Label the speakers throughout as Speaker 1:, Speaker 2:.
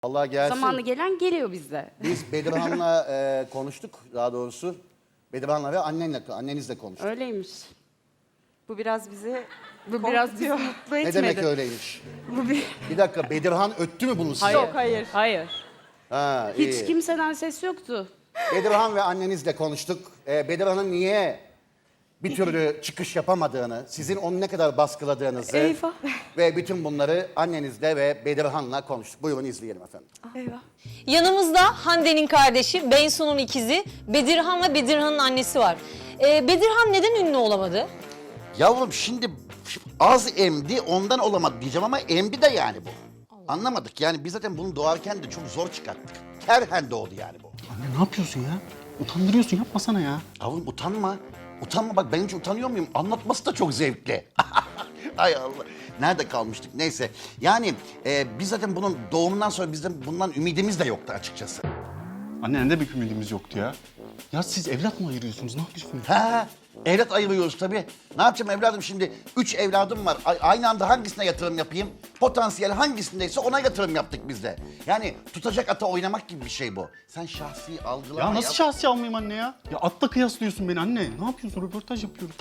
Speaker 1: Allah gelsin.
Speaker 2: Zamanı gelen geliyor bizde.
Speaker 1: Biz Bedirhan'la konuştuk daha doğrusu. Bedirhan'la ve annenizle konuştuk.
Speaker 2: Öyleymiş.
Speaker 3: Bu biraz bizi
Speaker 2: Bu biraz bizi mutlu etmedi.
Speaker 1: Ne demek öyleymiş?
Speaker 2: Bu bir...
Speaker 1: Bir dakika, Bedirhan öttü mü bunu size?
Speaker 2: Hayır.
Speaker 3: Yok, hayır.
Speaker 2: Hayır.
Speaker 1: Ha,
Speaker 2: Hiç
Speaker 1: iyi.
Speaker 2: kimseden ses yoktu.
Speaker 1: Bedirhan ve annenizle konuştuk. Bedirhan'ın niye bir türlü çıkış yapamadığını, sizin onu ne kadar baskıladığınızı
Speaker 2: Eyvah.
Speaker 1: ve bütün bunları annenizle ve Bedirhan'la konuştuk. Buyurun izleyelim efendim.
Speaker 2: Eyvah.
Speaker 4: Yanımızda Hande'nin kardeşi, Bensu'nun ikizi Bedirhan ve Bedirhan'ın annesi var. Bedirhan neden ünlü olamadı?
Speaker 5: Yavrum şimdi az emdi ondan olamadı diyeceğim ama emdi de yani bu. Anlamadık yani biz zaten bunu doğarken de çok zor çıkarttık. Kerhen doğdu yani bu.
Speaker 6: Anne ne yapıyorsun ya? Utandırıyorsun, yapmasana ya.
Speaker 5: Yavrum utanma. Utanma bak ben hiç utanıyor muyum? Anlatması da çok zevkli. Ay Allah. Nerede kalmıştık? Neyse. Yani biz zaten bunun doğumundan sonra bizden bundan ümidimiz de yoktu açıkçası.
Speaker 6: Anne ne bir ümidimiz yoktu ya. Ya siz evlat mı ayırıyorsunuz? Ne yapıyorsunuz?
Speaker 5: Ha, evlat ayırıyoruz tabii. Ne yapacağım evladım şimdi? 3 evladım var. Aynı anda hangisine yatırım yapayım? Potansiyel hangisindeyse ona yatırım yaptık biz de. Yani tutacak ata oynamak gibi bir şey bu. Sen şahsi algılama
Speaker 6: Ya nasıl şahsi almayayım anne ya? Ya atla kıyaslıyorsun beni anne. Ne yapıyorsun? Röportaj yapıyoruz.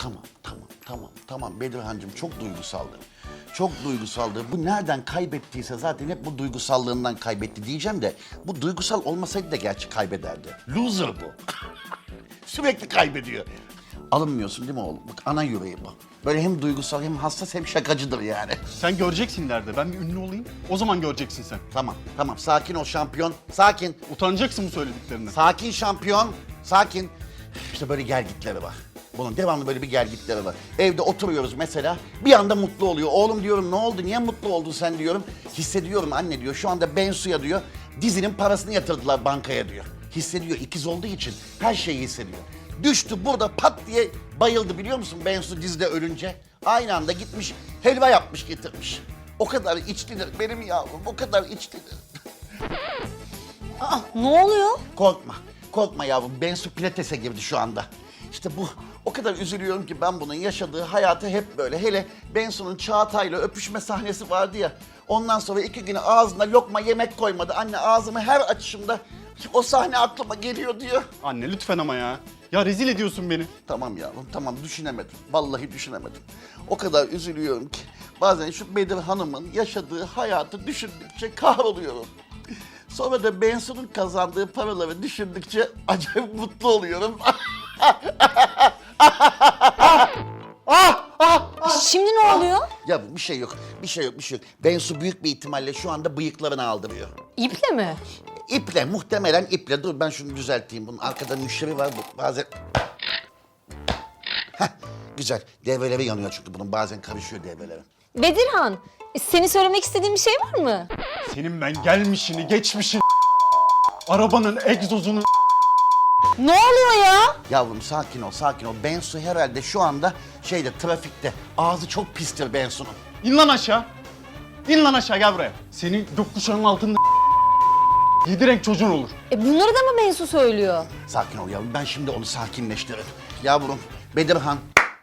Speaker 5: Tamam Bedirhan'cığım çok duygusaldı. Çok duygusaldı. Bu nereden kaybettiyse zaten hep bu duygusallığından kaybetti diyeceğim de bu duygusal olmasaydı da gerçi kaybederdi. Loser bu. Sürekli kaybediyor. Alınmıyorsun değil mi oğlum? Bak ana yüreği bu. Böyle hem duygusal hem hassas hem şakacıdır yani.
Speaker 6: Sen göreceksin ileride. Ben bir ünlü olayım. O zaman göreceksin sen.
Speaker 5: Tamam sakin ol şampiyon. Sakin.
Speaker 6: Utanacaksın bu söylediklerinden.
Speaker 5: Sakin şampiyon. Sakin. İşte böyle gelgitleri var. Bunun devamlı böyle bir gelgitleri var. Evde oturuyoruz mesela. Bir anda mutlu oluyor. Oğlum diyorum ne oldu? Niye mutlu oldun sen diyorum. Hissediyorum anne diyor. Şu anda Bensu'ya diyor. Dizinin parasını yatırdılar bankaya diyor. Hissediyor. İkiz olduğu için her şeyi hissediyor. Düştü burada pat diye bayıldı biliyor musun Bensu dizide ölünce. Aynı anda gitmiş helva yapmış getirmiş. O kadar içlidir benim yavrum. O kadar içlidir.
Speaker 4: Ne oluyor?
Speaker 5: Korkma yavrum. Bensu pilatese girdi şu anda. İşte bu o kadar üzülüyorum ki ben bunun yaşadığı hayatı hep böyle. Hele Bensu'nun Çağatay'la öpüşme sahnesi vardı ya. Ondan sonra 2 gün ağzına lokma yemek koymadı. Anne ağzımı her açışımda o sahne aklıma geliyor diyor.
Speaker 6: Anne lütfen ama ya. Ya rezil ediyorsun beni.
Speaker 5: Tamam yavrum tamam düşünemedim. Vallahi düşünemedim. O kadar üzülüyorum ki bazen şu Bedir Hanım'ın yaşadığı hayatı düşündükçe kahroluyorum. Sonra da Bensu'nun kazandığı paraları düşündükçe acayip mutlu oluyorum.
Speaker 4: Şimdi ne oluyor?
Speaker 5: Ya bir şey yok. Bensu büyük bir ihtimalle şu anda bıyıklarını aldırıyor.
Speaker 4: İple mi?
Speaker 5: İple, muhtemelen iple. Dur ben şunu düzelteyim. Bunun arkada müşteri var bu. Bazen... Heh, güzel. Devreleri yanıyor çünkü bunun. Bazen karışıyor devreleri.
Speaker 4: Bedirhan, senin söylemek istediğin bir şey var mı?
Speaker 6: Senin ben gelmişini, geçmişini, arabanın egzozunu...
Speaker 4: Ne oluyor ya?
Speaker 5: Yavrum sakin ol. Bensu herhalde şu anda trafikte. Ağzı çok pistir Bensu'nun.
Speaker 6: İn lan aşağı. İn lan aşağı gel buraya. Senin gökkuşağının altında 7 renk çocuğun olur.
Speaker 4: Bunları da mı Bensu söylüyor?
Speaker 5: Sakin ol yavrum. Ben şimdi onu sakinleştiririm. Yavrum, Bedirhan.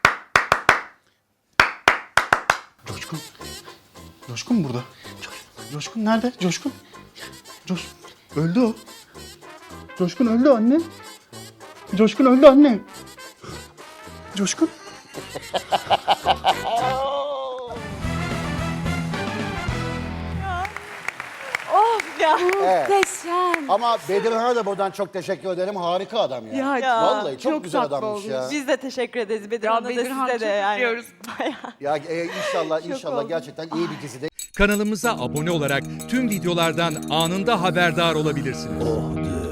Speaker 6: Coşkun. Coşkun burada. Coşkun nerede? Coşkun. Öldü o. Coşkun öldü anne. Coşkun öldü anne. Coşkun.
Speaker 3: Of ya.
Speaker 2: Muhteşem.
Speaker 1: Ama Bedirhan'a da buradan çok teşekkür ederim. Harika adam ya.
Speaker 2: Ya,
Speaker 1: Vallahi çok güzel
Speaker 2: tatlı
Speaker 1: adammış
Speaker 2: olmuş.
Speaker 1: ya.
Speaker 3: Biz de teşekkür ederiz Bedirhan'a da
Speaker 2: Bedirhan
Speaker 3: size de
Speaker 2: çok
Speaker 3: yani.
Speaker 2: öpüyoruz.
Speaker 3: Bayağı.
Speaker 1: Ya inşallah
Speaker 3: oldum.
Speaker 1: gerçekten iyi bir dizide.
Speaker 7: Kanalımıza abone olarak tüm videolardan anında haberdar olabilirsiniz.